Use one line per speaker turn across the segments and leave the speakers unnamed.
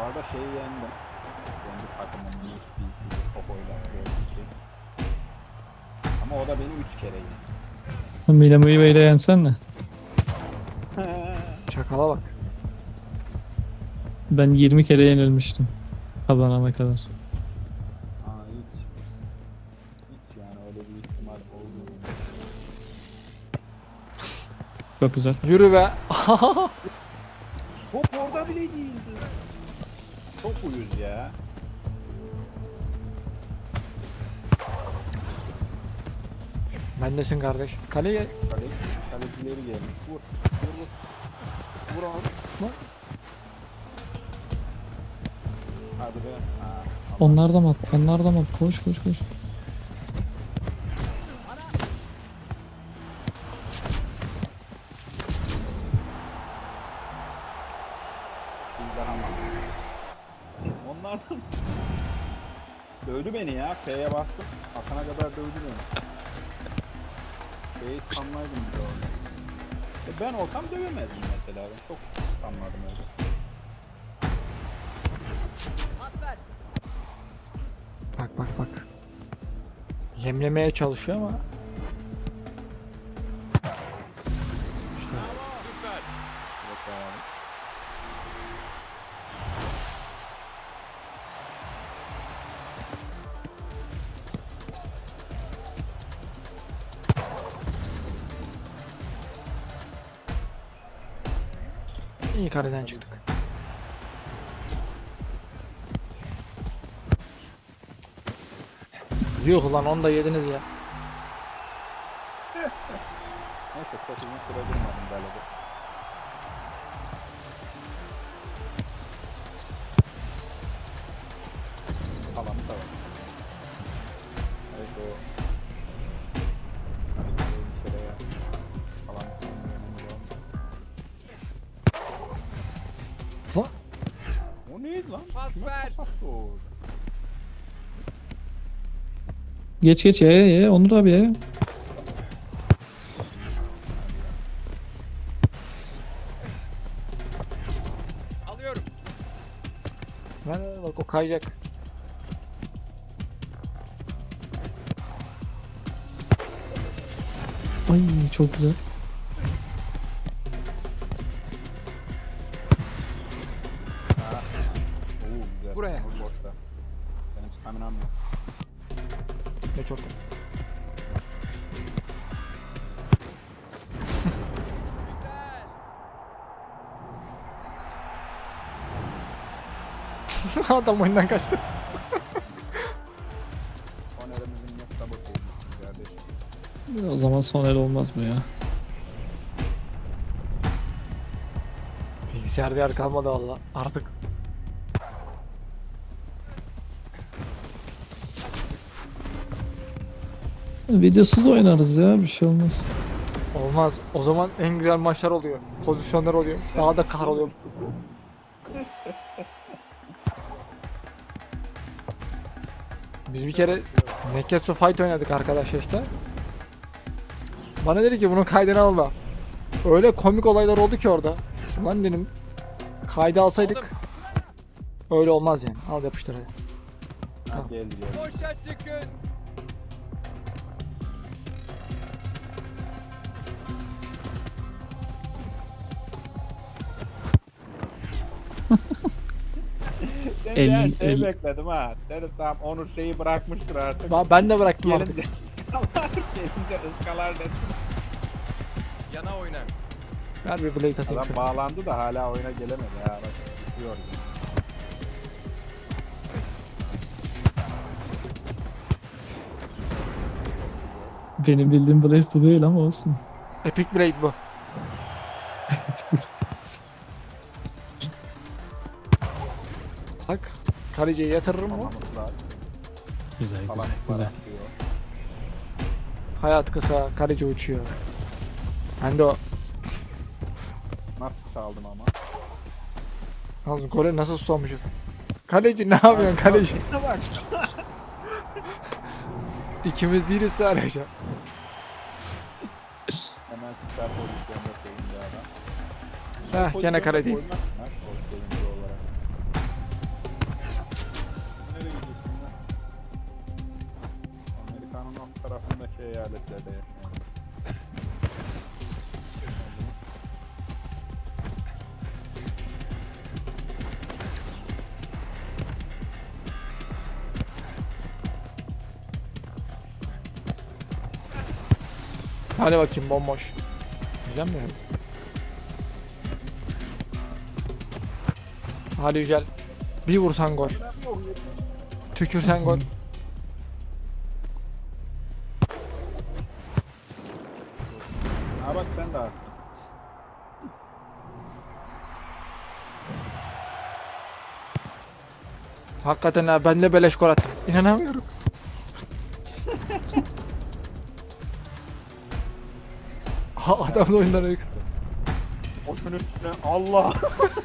arada şeyi yendim. Kendi takımın USB'si Topo'yla 4-2. Ama o da beni 3 kere yendi.
Milamo'yu böyle yensen ne?
Çakala bak.
Ben 20 kere yenilmiştim. Kazanana kadar.
Aa hiç yani öyle bir ihtimal olmuyor.
Çok güzel.
Yürü be.
Top orada bile değildi. Çok uyuz ya.
Bendesin kardeş. Kaleye
Kalecileri gelmiş. Vur. Vur onu.
Vur.
Hadi be. Ha, tamam.
Onlar da mı? Onlar da mı? Koş koş koş.
Bizden ama. Onlardan. Dövdü beni ya. F'ye bastım. Atana kadar dövdü beni. F'yi spamlaydım bir de orada. Ben olsam dövemezdim mesela. Ben çok spamladım öyle.
bak bak bak. Yemlemeye çalışıyor ama. İşte.
Yok abi.
İyi kareden çıktık. Yuh lan onu da yediniz ya.
Neyse çok uzun süre durmadım galiba. Tamam tamam. Evet o. Bir kere ya. Falan.
Lan
O neydi lan?
Pas
Kime
ver.
pas attı o?
Geç geç ye Onur abi ye.
Alıyorum.
bak o kayacak.
Ay çok güzel.
Oo güzel.
Buraya.
Onur boşta. Benim staminam yok.
Ne çok.
Güzel.
Adam oyundan kaçtı.
Sonerimizin ne sabot olmuş kardeşim.
O zaman son el olmaz mı ya?
Bilgisayarda yer kalmadı valla. Artık.
Videosuz oynarız ya, bir şey olmaz.
Olmaz. O zaman en güzel maçlar oluyor. Pozisyonlar oluyor. Daha da kahroluyor. Biz bir kere Neketsu Fight oynadık arkadaşlar işte. Bana dedi ki bunun kaydını alma. Öyle komik olaylar oldu ki orada. Ulan dedim kaydı alsaydık öyle olmaz yani. Al yapıştır hadi.
Ha
Tamam.
geldi geldi.
Boşa çıkın.
Ben
El-
ya şey
el-
bekledim ha. Dedim tamam Onur şeyi bırakmıştır artık.
Ben de bıraktım artık.
Gelince ıskalar, gelince ıskalar dedim.
Yana oyna.
Ver bir blade atayım
Adam
şöyle.
bağlandı da hala oyuna gelemedi ya. Bak düşüyor.
Benim bildiğim Blaze bu değil ama olsun.
Epic Blade bu. Bak. Kaleciyi yatırırım mı?
Tamamızlar
Güzel
falan
güzel güzel.
atıyor.
Hayat kısa, kaleci uçuyor. Ben de o.
Nasıl çaldım ama.
Yalnız gole nasıl susamışız? Kaleci ne yapıyorsun kaleci?
Bak.
İkimiz değiliz sadece.
Hemen süper pozisyonda sevindi adam.
Heh gene kale değil.
Koymak mı? Gol sevinci olarak.
Hadi bakayım bomboş. Güzel mi? Hadi Yücel. Bir vursan gol. Tükürsen gol.
Ha bak sen de attın.
Hakikaten ha ben de beleş gol attım. İnanamıyorum. Ha adam da oyundan uygun.
Onun üstüne Allah.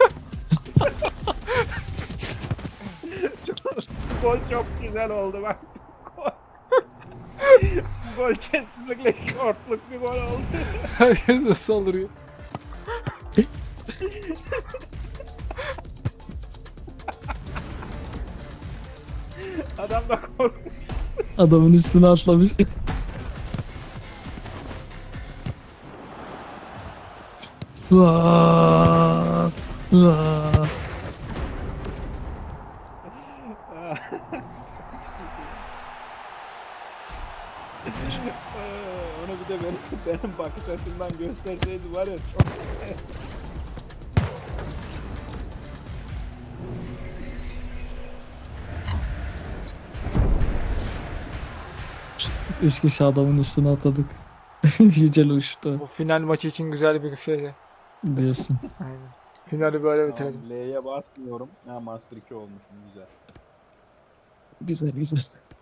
Gol çok güzel oldu bak. Gol. Gol kesinlikle şortluk bir gol oldu.
Herkes nasıl saldırıyor?
Adam da korkmuş.
Adamın üstüne atlamış. Vaa! Vaa!
Onu bir de benim bakış açımdan gösterseydi var ya çok
Üç kişi adamın üstüne atladık. Yücel uçtu
Bu final maçı için güzel bir şeydi.
diyorsun.
Aynen. Finali böyle
Tamam,
bitirelim.
L'ye basmıyorum. Ha Master 2 olmuşum güzel.
Güzel güzel.